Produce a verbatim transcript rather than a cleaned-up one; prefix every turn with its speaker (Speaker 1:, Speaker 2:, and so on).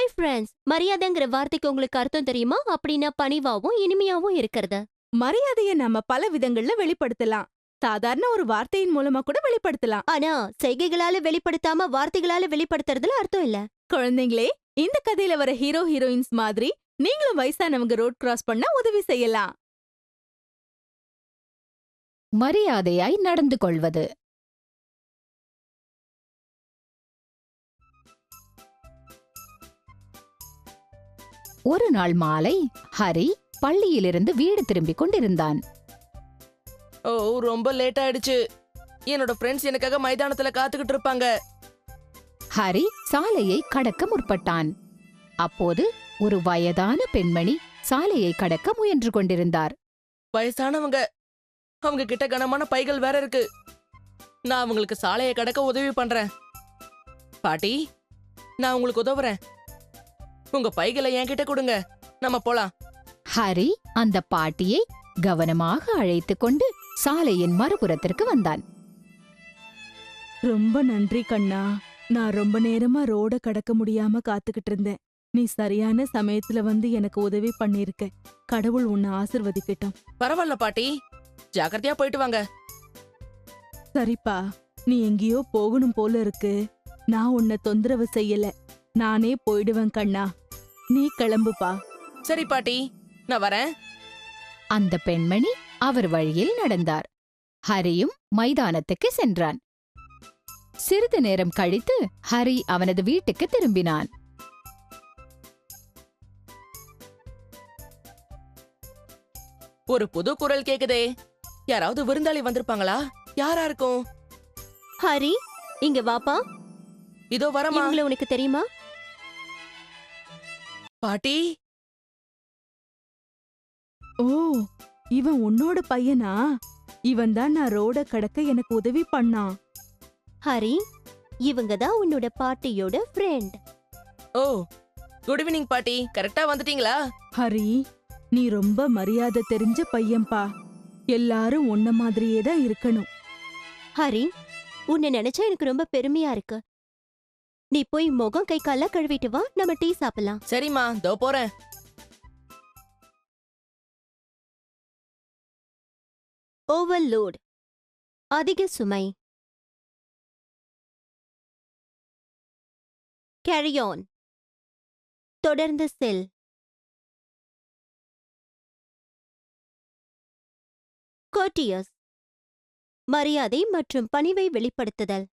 Speaker 1: Hi friends, மரியாதைங்கிற வார்த்தைக்கு உங்களுக்கு அர்த்தம் தெரியுமா? அப்படின்னா பணிவாவும் இனிமையாவும் இருக்கிறது.
Speaker 2: மரியாதைய நம்ம பல விதங்கள்ல வெளிப்படுத்தலாம். சாதாரண ஒரு வார்த்தையின் மூலமா கூட வெளிப்படுத்தலாம்.
Speaker 1: ஆனா செய்கைகளால வெளிப்படுத்தாம வார்த்தைகளால வெளிப்படுத்துறதுல அர்த்தம் இல்ல.
Speaker 2: குழந்தைங்களே, இந்த கதையில வர ஹீரோ ஹீரோயின்ஸ் மாதிரி நீங்களும் வயசானவங்க ரோட் கிராஸ் பண்ண உதவி செய்யலாம்.
Speaker 3: மரியாதையாய் நடந்து கொள்வது. ஒரு நாள் மாலை ஹரி பள்ளியிலிருந்து வீடு திரும்பிக் கொண்டிருந்தான்.
Speaker 4: ஓ ரொம்ப லேட் ஆயிடுச்சு. என்னோட ஃப்ரெண்ட்ஸ் எனக்காக மைதானத்துல காத்துக்கிட்டு இருப்பாங்க.
Speaker 3: ஹரி சாலையை கடக்க முற்பட்டான். அப்போது ஒரு வயதான பெண்மணி சாலையை கடக்க முயன்று கொண்டிருந்தார்.
Speaker 4: வயசானவங்க, அவங்க கிட்ட கனமான பைகள் வேற இருக்கு. நான் அவங்களுக்கு சாலையை கடக்க உதவி பண்றேன். பாட்டி, நான் உங்களுக்கு உதவுறேன். உங்க பைகளை என்கிட்ட கொடுங்க, நம்ம போலாம்.
Speaker 3: ஹரி அந்த பாட்டியை கவனமாக அழைத்துக் கொண்டு சாலையின் மறுபுறத்திற்கு வந்தான்.
Speaker 2: ரொம்ப நன்றி கண்ணா. நான் ரொம்ப நேரமா ரோட கடக்க முடியாம காத்துக்கிட்டு இருந்தேன். நீ சரியான சமயத்துல வந்து எனக்கு உதவி பண்ணிருக்க. கடவுள் உன்னை ஆசிர்வதிக்கட்டும்.
Speaker 4: பரவாயில்ல பாட்டி, ஜாக்கிரதையா போயிட்டு வாங்க.
Speaker 2: சரிப்பா, நீ எங்கேயோ போகணும் போல இருக்கு. நான் உன்னை தொந்தரவு செய்யல. நானே போயிடுவேன் கண்ணா. நீ கிளம்புப்பா.
Speaker 4: சரி பாட்டி, நான் வரேன்.
Speaker 3: அந்த பெண்மணி அவர் வழியில் நடந்தார். ஹரியும் மைதானத்துக்கு சென்றான். சிறிது நேரம் கழித்து ஹரி அவனது வீட்டுக்கு திரும்பினான்.
Speaker 4: ஒரு புது குரல் கேக்குதே. யாராவது விருந்தாளி வந்திருப்பாங்களா? யாரா இருக்கும்?
Speaker 1: ஹரி, இங்க வாப்பா.
Speaker 4: இதோ வரமா.
Speaker 1: இவங்கள உனக்கு தெரியுமா?
Speaker 4: பாட்டி,
Speaker 2: ஓ, இவன் உன்னோட பையனா? இவன் தான் நான் ரோட கடக்க எனக்கு உதவி பண்ணான்.
Speaker 1: ஹரி, இவங்க தான் உன்னோட பாட்டியோட ஃப்ரெண்ட்.
Speaker 4: ஓ குட் ஈவினிங் பாட்டி, கரெக்டா வந்துட்டீங்களா?
Speaker 2: ஹரி, நீ ரொம்ப மரியாதை தெரிஞ்ச பையன்பா. எல்லாரும் உன்ன மாதிரியே தான் இருக்கணும்.
Speaker 1: ஹரி, உன்னை நினைச்சா எனக்கு ரொம்ப பெருமையா இருக்கு. நீ போய் முகம் கை கால கழுவிட்டு வா, நம்ம டீ சாப்பிடலாம்.
Speaker 4: சரிம்மா, தோ போறேன்.
Speaker 1: ஓவர்லோட், அதிக சுமை. கேரி ஆன், தொடர்ந்து செல். கோர்டியஸ், மரியாதை மற்றும் பணிவை வெளிப்படுத்துதல்.